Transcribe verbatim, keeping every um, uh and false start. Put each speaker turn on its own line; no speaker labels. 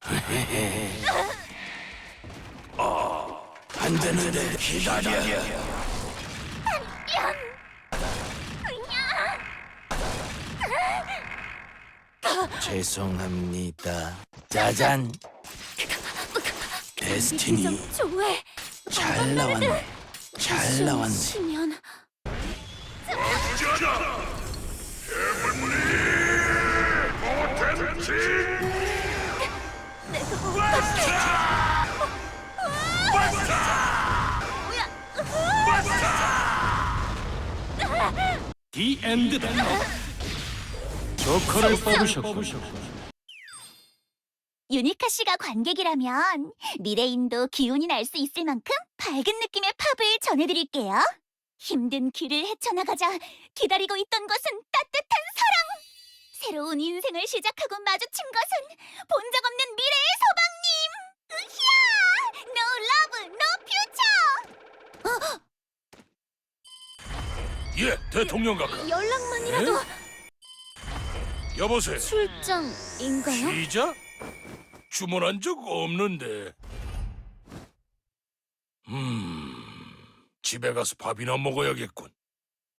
어, 안 되는데 기다려. 죄송합니다. 짜잔. 데스티니
좋아해.
잘 나왔네. 잘 나왔네.
시면
디 엔드다. 조커를 뽑으셨고
유니카 씨가 관객이라면 미래인도 기운이 날 수 있을 만큼 밝은 느낌의 팝을 전해드릴게요. 힘든 길을 헤쳐나가자 기다리고 있던 것은 따뜻한 사랑! 새로운 인생을 시작하고 마주친 것은 본 적 없는 미래의 소방님! 으쌰! No love, no future!
예, 대통령 각하.
연락만이라도
여보세요.
출장인가요?
피자? 주문한 적 없는데. 음, 집에 가서 밥이나 먹어야겠군.